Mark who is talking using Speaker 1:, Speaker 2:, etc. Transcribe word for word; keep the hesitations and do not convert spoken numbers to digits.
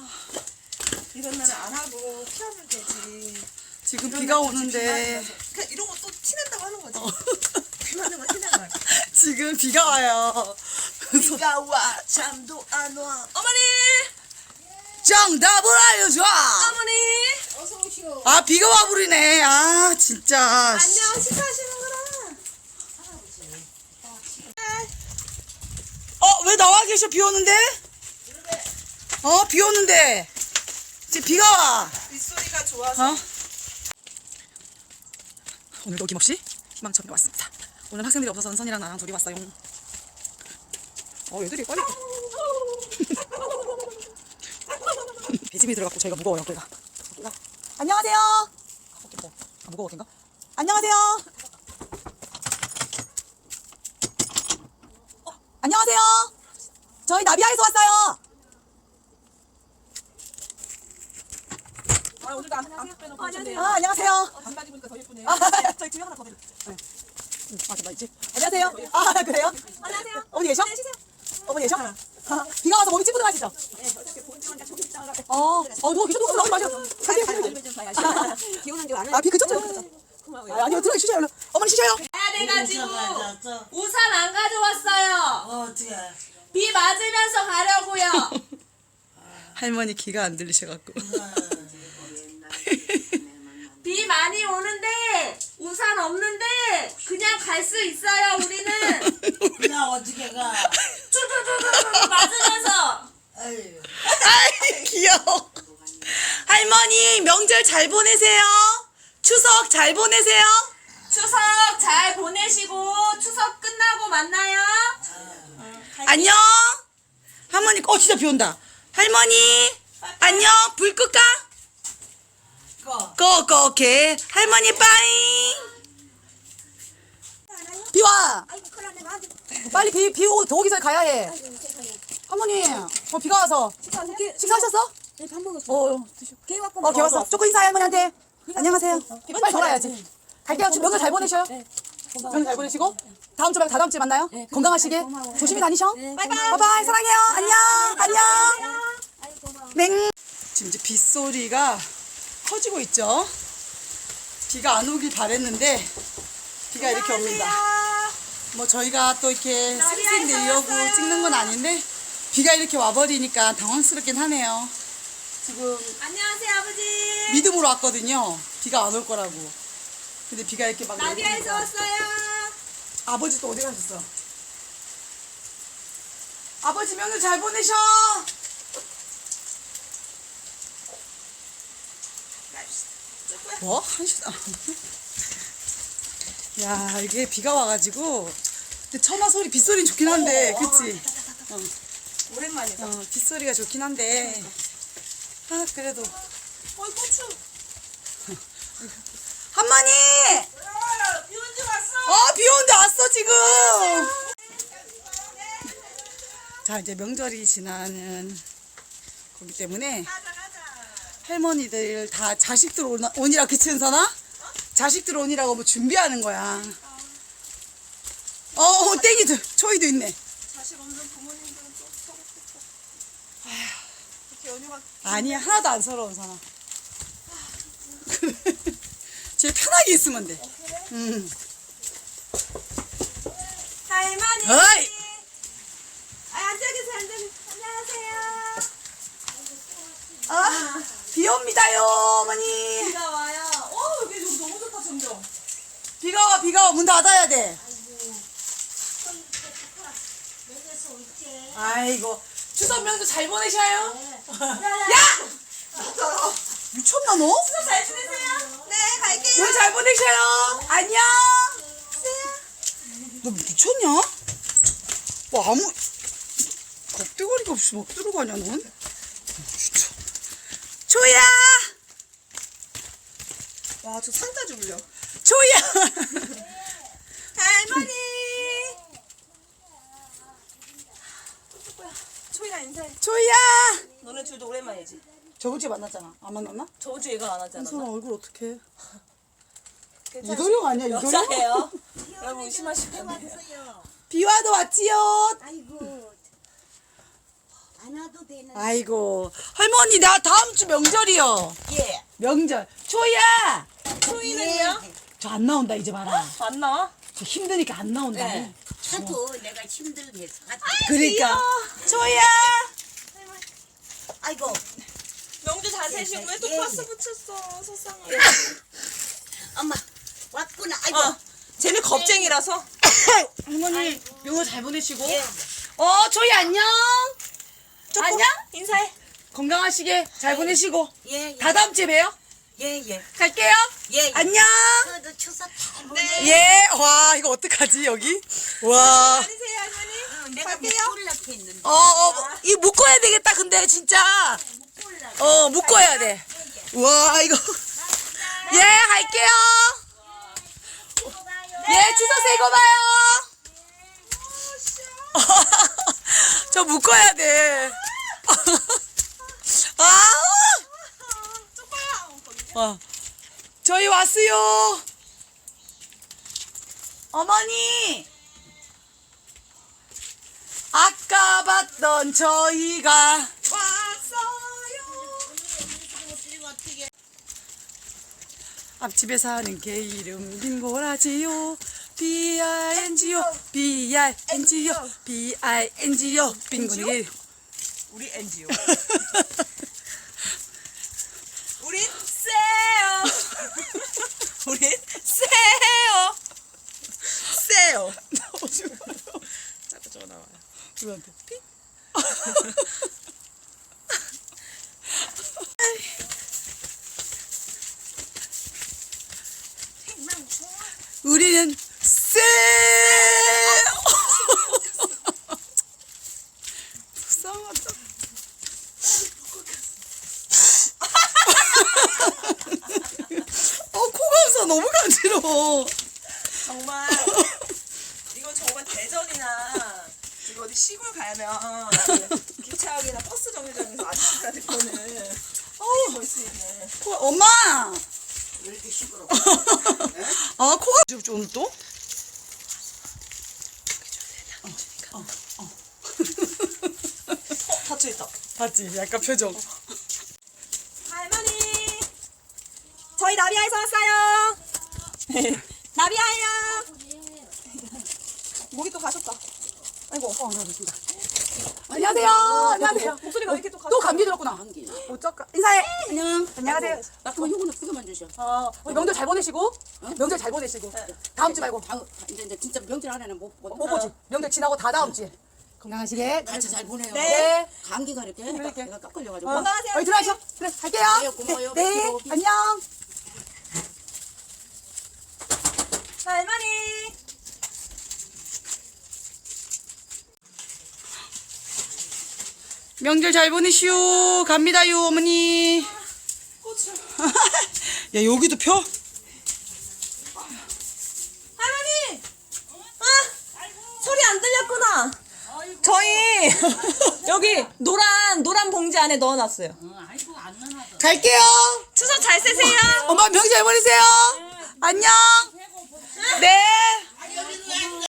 Speaker 1: 이런 날은 안 하고 피하면 되지.
Speaker 2: 지금 비가 오는데
Speaker 1: 그냥 이런 거 또 티낸다고 하는 거지. 비 맞는 거 티내는 거야.
Speaker 2: 지금 비가 와요.
Speaker 1: 비가 와 잠도 안 와. 어머니.
Speaker 2: 정답을 알려줘.
Speaker 1: 어머니.
Speaker 3: 어서 오시오.
Speaker 2: 아 비가 와버리네. 아 진짜.
Speaker 1: 안녕 식사하시는구나.
Speaker 2: 어 왜 나와 계셔? 비 오는데? 어 비 오는데 지금 비가 와.
Speaker 1: 빗소리가 좋아서.
Speaker 2: 어? 오늘도 어김없이 희망천에 왔습니다. 오늘 학생들이 없어서 은선이랑 나랑 둘이 왔어요. 어 얘들이 빨리 배집이 들어갔고 저희가 무거워요. 걔가 걔가 안녕하세요. 아, 뭐. 아 무거워 걔인가? 안녕하세요. 어, 안녕하세요. 저희 나비야에서 왔어요.
Speaker 1: 아 오늘도 안, 안 빼놓고 오셨네요.
Speaker 2: 아 안녕하세요.
Speaker 1: 반바지 보니까 더 예쁘네요.
Speaker 2: 아, 저희 집에 하나 더 드릴게요. 네. 응, 아, 나 이제. 안녕하세요. 아, 그래요?
Speaker 1: 안녕하세요.
Speaker 2: 어머니 계셔? 어머니 계셔? 아, 비가 와서 몸이 찌뿌둥하시죠?
Speaker 1: 네, 어떻게 본지만 조금 있다가
Speaker 2: 어, 어, 누워 계셔, 누워, 나오지 마세요.
Speaker 1: 좀 봐야지. 비 오는 줄 아는.
Speaker 2: 아, 비 그쳤죠?
Speaker 1: 고마워요.
Speaker 2: 아, 아니요, 들어가 쉬셔요, 얼른. 어머니 쉬셔요.
Speaker 4: 가야 돼가지고 우산 안 가져왔어요.
Speaker 3: 어떻게?
Speaker 4: 비 맞으면서 가려고요.
Speaker 2: 할머니 귀가 안 들리셔갖고.
Speaker 4: 비 많이 오는데 우산 없는데 그냥 갈 수 있어요. 우리는
Speaker 3: 나 어떻게 가?
Speaker 4: 쭈쭈쭈쭈 맞으면서.
Speaker 3: 아유.
Speaker 2: 아이, 귀여워. 할머니, 명절 잘 보내세요. 추석 잘 보내세요.
Speaker 4: 추석 잘 보내시고 추석 끝나고 만나요.
Speaker 2: 안녕. 할머니, 어, 진짜 비 온다. 할머니, 안녕. 불 끌까?
Speaker 3: 꺼.
Speaker 2: 꺼, 꺼, 오케이. 할머니, 빠잉. 비 와.
Speaker 3: 아이고 큰일났네. 나한테.
Speaker 2: 빨리 비, 비 오고 더 오기 전에 가야 해. 할머니, 어, 비가 와서. 식사하셨어?
Speaker 3: 네, 밥 먹었어.
Speaker 2: 어,
Speaker 3: 개 왔고.
Speaker 2: 어, 개 왔어. 조금 인사해, 할머니한테. 안녕하세요. 빨리 돌아야지. 갈게요. 명절 잘 보내셔요. 명절 잘 보내시고. 다음 주 말고 다다음 주에 만나요. 건강하시게. 조심히 다니셔. 바이바이. 사랑해요. 안녕. 안녕.
Speaker 3: 아이고 고마워.
Speaker 2: 맹. 지금 이제 빗소리가 커지고 있죠. 비가 안 오길 바랬는데 비가 이렇게 옵니다. 뭐 저희가 또 이렇게 쌩쌩 내려고 찍는 건 아닌데 비가 이렇게 와버리니까 당황스럽긴 하네요. 지금
Speaker 4: 안녕하세요 아버지.
Speaker 2: 믿음으로 왔거든요. 비가 안 올 거라고. 근데 비가 이렇게 막
Speaker 4: 나비야에서
Speaker 2: 내리니까.
Speaker 4: 왔어요.
Speaker 2: 아버지 또 어디 가셨어? 아버지 명절 잘 보내셔. 뭐? 한 시간. 야, 이게 비가 와가지고. 근데 천마 소리, 빗소리는 좋긴 한데, 그치? 어,
Speaker 1: 오랜만이다.
Speaker 2: 어, 빗소리가 좋긴 한데. 아, 그래도.
Speaker 1: 어이 고추.
Speaker 2: 할머니!
Speaker 1: 비 온 줄 왔어.
Speaker 2: 어, 비 오는데 왔어, 지금! 자, 이제 명절이 지나는 거기 때문에. 할머니들 다 자식들 오나, 오니라 그치 은선아? 자식들 오니라고 뭐 준비하는 거야. 어, 어 땡이도 초이도 있네.
Speaker 1: 자식 없는 부모님들은 또 서럽겠다. 이렇게 연휴가
Speaker 2: 아니야 하나도 안 서러워 은선아. 제일 편하게 있으면 돼. 응.
Speaker 4: 할머니.
Speaker 2: 어이.
Speaker 4: 아, 앉아 계세요 앉아 계세요. 안녕하세요.
Speaker 2: 아, 비 옵니다요 어머니.
Speaker 1: 비가 와요. 어 여기 여기 너무 좋다 점점.
Speaker 2: 비가 와 비가 와 문 닫아야 돼. 아이고 추석 명절 잘 보내셔요. 야! 미쳤나 너?
Speaker 1: 잘 지내세요? 네 갈게요.
Speaker 2: 명 잘 보내셔요. 안녕. 너 미쳤냐? 뭐 아무 겁대거리가 없이 막 들어가냐 넌? 진짜. 조야.
Speaker 1: 와 저 산까지 울려.
Speaker 2: 조야.
Speaker 1: 할머니. 초이랑 인사해.
Speaker 2: 조야.
Speaker 1: 너네 둘도 오랜만이지.
Speaker 2: 저번 주에 만났잖아. 안 만났나?
Speaker 1: 저번 주에 얘가 안 하지 않았나?
Speaker 2: 은선아 얼굴 어떡해?
Speaker 1: 괜찮으시-
Speaker 2: 이도령 아니야 이도령?
Speaker 1: 여자예요. 여러분 의심하시면 안 돼요.
Speaker 2: 비와도 왔지요.
Speaker 3: 아이고. 안 전화도 되는.
Speaker 2: 아이고 할머니 나 다음 주 명절이요.
Speaker 3: 예.
Speaker 2: 명절. 초이야.
Speaker 4: 초이는요?
Speaker 2: 저 안 나온다 이제 봐라.
Speaker 4: 안 나와?
Speaker 2: 저 힘드니까 안 나온다.
Speaker 4: 네.
Speaker 3: 하도 내가 힘들게 해서.
Speaker 2: 그러니까 초이야.
Speaker 3: 아이고.
Speaker 4: 명주 잘 세시고 왜 또
Speaker 3: 예.
Speaker 4: 파스 붙였어? 속상해.
Speaker 3: 엄마 왔구나. 아이고.
Speaker 4: 어, 쟤는 겁쟁이라서.
Speaker 2: 할머니 명절 잘 보내시고.
Speaker 3: 예.
Speaker 2: 어 초이 안녕.
Speaker 4: 조금
Speaker 2: 안녕?
Speaker 4: 인사해.
Speaker 2: 건강하시게 잘 보내시고.
Speaker 3: 예. 예.
Speaker 2: 다 다음 주에 봬요.
Speaker 3: 예 예.
Speaker 2: 갈게요.
Speaker 3: 예. 예.
Speaker 2: 안녕.
Speaker 3: 저도 추석 잘 보내.
Speaker 2: 예. 와 이거 어떡하지 여기? 와.
Speaker 4: 안녕하세요 할머니.
Speaker 3: 어, 내가
Speaker 4: 갈게요.
Speaker 3: 묶으려고 했는데.
Speaker 2: 어, 어, 이 묶어야 되겠다, 근데, 진짜.
Speaker 3: 묶으려고.
Speaker 2: 어, 묶어야 돼. 와, 이거. 예, 할게요. 예, 추석 새고 봐요. 저 묶어야 돼. 아, 어. 저희 왔어요. 어머니. 아까 봤던 저희가
Speaker 4: 왔어요.
Speaker 2: 앞집에 사는 개 이름 빙고라지요. 비 알 엔 지 오 비 알 엔 지 오 비 알 엔 지 오 빙고니.
Speaker 4: 우리 엔지오. 우린 세요. 우린 세요. 세요. 자꾸 저거 나와요.
Speaker 2: 누구한테? 피? 우리는 쎄. 불쌍하다. 어, 코감사 너무 간지러워.
Speaker 4: 정말 이건 정말 대전이나 이거 어디 시골 가면 기차역이나 버스 정류장에서 아저씨들한테 거는 어우 볼수 있네.
Speaker 2: 코, 엄마.
Speaker 3: 왜 이렇게 시끄러워?
Speaker 2: 아, 코가 오늘 또?
Speaker 4: 어 닫혀 있다.
Speaker 2: 봤지? 약간 표정.
Speaker 4: 할머니 저희 나비야에서 왔어요. 나비야예요. 목이 또 가셨다. 아이고
Speaker 2: 어, 안녕하십니다. 안녕하세요. 안녕하세요.
Speaker 4: 목소리가 왜 이렇게 또 가셨다.
Speaker 2: 또 감기 들었구나.
Speaker 3: 감기.
Speaker 2: 어쩔까? 인사해.
Speaker 3: 안녕.
Speaker 2: 안녕하세요.
Speaker 3: 그럼 요거는 그거만 주셔.
Speaker 2: 어, 우리 명절 잘 보내시고. 명절 잘 보내시고. 다음 주 말고.
Speaker 3: 다음 이제 이제 진짜 명절 안에는 못 못.
Speaker 2: 못 보지. 명절 지나고 다 다음 주에. 건강하시게.
Speaker 3: 같이 잘 보내요.
Speaker 2: 네.
Speaker 3: 감기가 이렇게
Speaker 2: 그러게.
Speaker 3: 내가 깎 걸려가지고.
Speaker 2: 어,
Speaker 4: 건강하세요.
Speaker 2: 어이 들어가셔. 그래, 갈게요.
Speaker 3: 네, 고마워요.
Speaker 2: 네, 네.
Speaker 3: 뵙기로.
Speaker 2: 안녕.
Speaker 4: 할머니
Speaker 2: 명절 잘 보내시오. 갑니다요, 어머니. 야, 여기도 펴?
Speaker 4: 할머니 아 소리 안 들렸구나. 저희 여기 노란 노란 봉지 안에 넣어놨어요.
Speaker 2: 갈게요.
Speaker 4: 추석 잘 세세요.
Speaker 2: 엄마 명절 잘 보내세요. 안녕. 네.